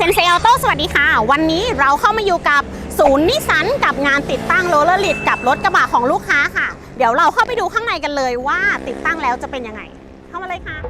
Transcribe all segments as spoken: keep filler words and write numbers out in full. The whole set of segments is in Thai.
นเซออโต้สวัสดีค่ะวันนี้เราเข้ามาอยู่กับศูนย์นิสสันกับงานติดตั้งโรลเลอร์ลิดกับรถกระบะของลูกค้าค่ะเดี๋ยวเราเข้าไปดูข้างในกันเลยว่าติดตั้งแล้วจะเป็นยังไงเข้ามาเลยค่ะ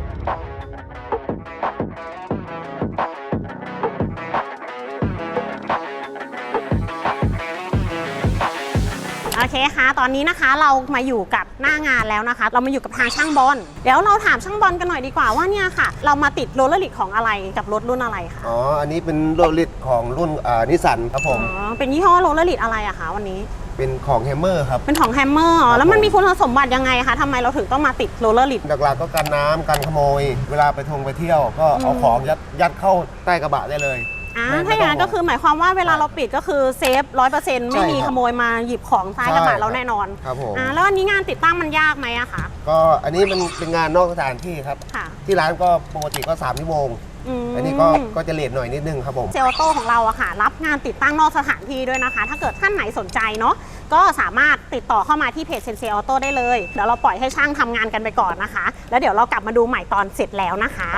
โอเคค่ะตอนนี้นะคะเรามาอยู่กับหน้างานแล้วนะคะเรามาอยู่กับทางช่างบอลเดี๋ยวเราถามช่างบอลกันหน่อยดีกว่าว่าเนี่ยค่ะเรามาติดโรลเลอร์ลิดของอะไรกับรถรุ่นอะไรคะอ๋ออันนี้เป็นโรลเลอร์ลิดของรุ่นอ่านิสสันครับผมอ๋อเป็นยี่ห้อโรลเลอร์ลิดอะไรอะคะวันนี้เป็นของแฮมเมอร์ครับเป็นของแฮมเมอร์อ๋อแล้วมันมีคุณสมบัติยังไงคะทำไมเราถึงต้องมาติดโรลเลอร์ลิดหลักๆก็กันน้ำกันขโมยเวลาไปทงไปเที่ยวก็เอาของยัดยัดเข้าใต้กระบะได้เลยอ่าถ้าอย่างนั้นก็คือหมายความว่าเวลาเราปิดก็คือเซฟร้อยเปอร์เซ็นต์ไม่มีขโมยมาหยิบของใต้กระบะเราแน่นอนครับผมอ่าแล้วอันนี้งานติดตั้งมันยากไหมอะคะก็อันนี้มันเป็นงานนอกสถานที่ครับที่ร้านก็ปกติก็สามชั่วโมงอันนี้ก็ก็จะเลทหน่อยนิดนึงครับผมเซลโต้ของเราอะค่ะรับงานติดตั้งนอกสถานที่ด้วยนะคะถ้าเกิดท่านไหนสนใจเนาะก็สามารถติดต่อเข้ามาที่เพจเซนเซออโต้ได้เลยเดี๋ยวเราปล่อยให้ช่างทำงานกันไปก่อนนะคะแล้วเดี๋ยวเรากลับมาดูใหม่ตอนเสร็จแล้วนะคะ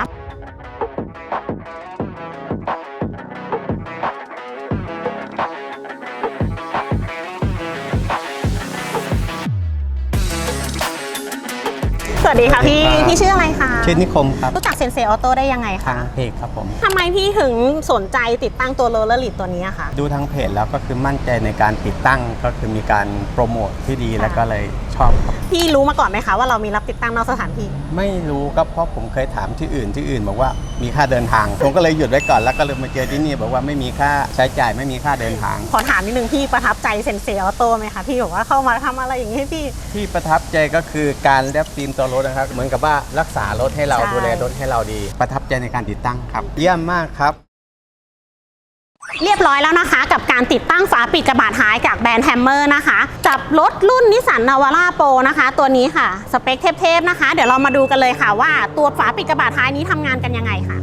สวัสดีค่ะพี่พี่ชื่ออะไรคะชื่อนิคมครับรู้จักเซนเซออโต้ได้ยังไงคะทางเพจครับผมทำไมพี่ถึงสนใจติดตั้งตัวโรลเลอร์ลิดตัวนี้คะดูทางเพจแล้วก็คือมั่นใจในการติดตั้งก็คือมีการโปรโมทที่ดีแล้วก็เลยชอบครับพี่รู้มาก่อนไหมคะว่าเรามีรับติดตั้งนอกสถานที่ไม่รู้ครับเพราะผมเคยถามที่อื่นที่อื่นบอกว่ามีค่าเดินทางผมก็เลยหยุดไว้ก่อนแล้วก็เลยมาเจอที่นี่บอกว่าไม่มีค่าใช้จ่ายไม่มีค่าเดินทางขอถามนิดนึงพี่ประทับใจเซนเซออโต้ไหมคะพี่บอกว่าเข้ามาทำอะไรอย่างนี้พี่ที่ประทับใจก็คือการแลบฟิล์มตัวรถนะครับเหมือนกับว่ารักษารถให้เราดูแลรถให้เราดีประทับใจในการติดตั้งครับเยี่ยมมากครับเรียบร้อยแล้วนะคะกับการติดตั้งฝาปิดกระบะท้ายจากแบรนด์แฮมเมอร์นะคะกับรถรุ่นนิสสันนาวาร่าโปรนะคะตัวนี้ค่ะสเปคเทพๆนะคะเดี๋ยวเรามาดูกันเลยค่ะว่าตัวฝาปิดกระบะท้ายนี้ทำงานกันยังไงค่ะ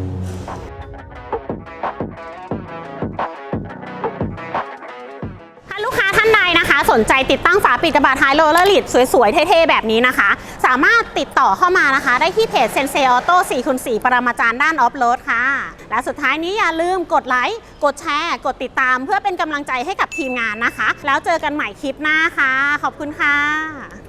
ลูกค้าท่านใดนะคะสนใจติดตั้งฝาปิดกระบะท้ายโรลเลอร์ลิดสวยๆเท่ๆแบบนี้นะคะสามารถติดต่อเข้ามานะคะได้ที่เพจเซนเซออโต้ สี่คูณสี่ ปรมาจารย์ด้านออฟโรดค่ะและสุดท้ายนี้อย่าลืมกดไลค์กดแชร์กดติดตามเพื่อเป็นกำลังใจให้กับทีมงานนะคะแล้วเจอกันใหม่คลิปหน้าค่ะขอบคุณค่ะ